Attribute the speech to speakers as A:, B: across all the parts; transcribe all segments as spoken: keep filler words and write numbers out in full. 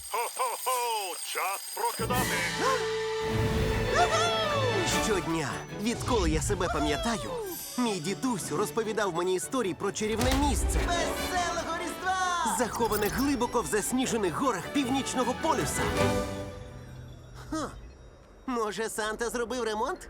A: Хо-хо-хо! Час прокидати!
B: Щодня, відколи я себе пам'ятаю, мій дідусь розповідав мені історії про чарівне місце,
C: Веселого Різдва!
B: заховане глибоко в засніжених горах північного полюса. Ха. Може, Санта зробив ремонт?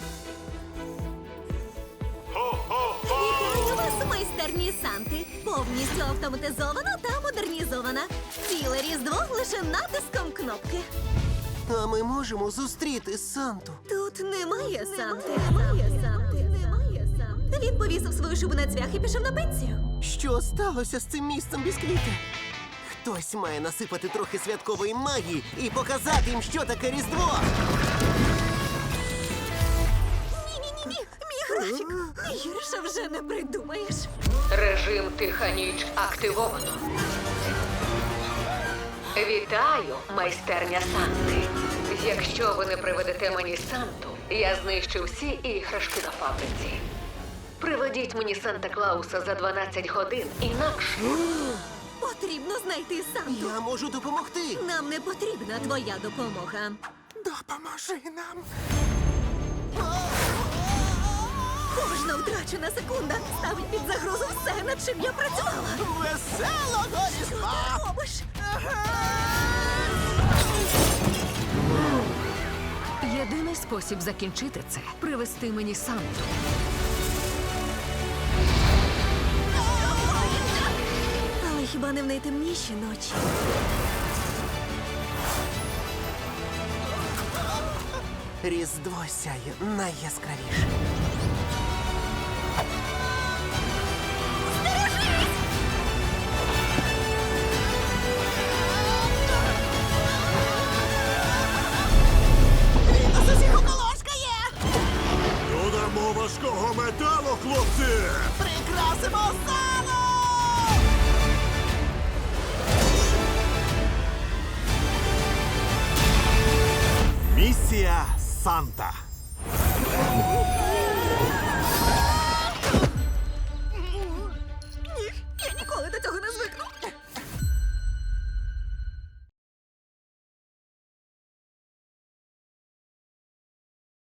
D: Вітаю вас, майстерні Санти! Повністю автоматизована та модернізована. Ціле Різдво лише натиском кнопки.
B: А ми можемо зустріти Санту.
D: Тут немає Санти. Немає Санти. Немає Санти. Він повісив свою шубу на цвях і пішов на пенсію.
B: Що сталося з цим місцем бісквіти? Хтось має насипати трохи святкової магії і показати їм, що таке Різдво.
D: Ні-ні-ні, мій графік. Гірше вже не придумаєш.
E: Режим тиха ніч активовано. Вітаю, майстерня Санти. Якщо ви не приведете мені Санту, я знищу всі іграшки на фабриці. Приведіть мені Санта-Клауса за дванадцять годин, інакше.
D: Потрібно знайти Санту.
B: Я можу допомогти.
D: Нам не потрібна твоя допомога.
B: Допоможи нам.
D: Кожна втрачена секунда ставить під загрозу все, над чим я працювала.
C: Веселого
D: Що
C: Різдва!
D: ти робиш?
F: Єдиний спосіб закінчити це – привести мені Санту.
D: Але хіба не в найтемніші ночі?
B: Різдво сяє найяскравіше.
C: З усіх околошкає!
A: Додамо важкого металу, хлопці!
C: Прикрасимо сало!
A: Місія Санта.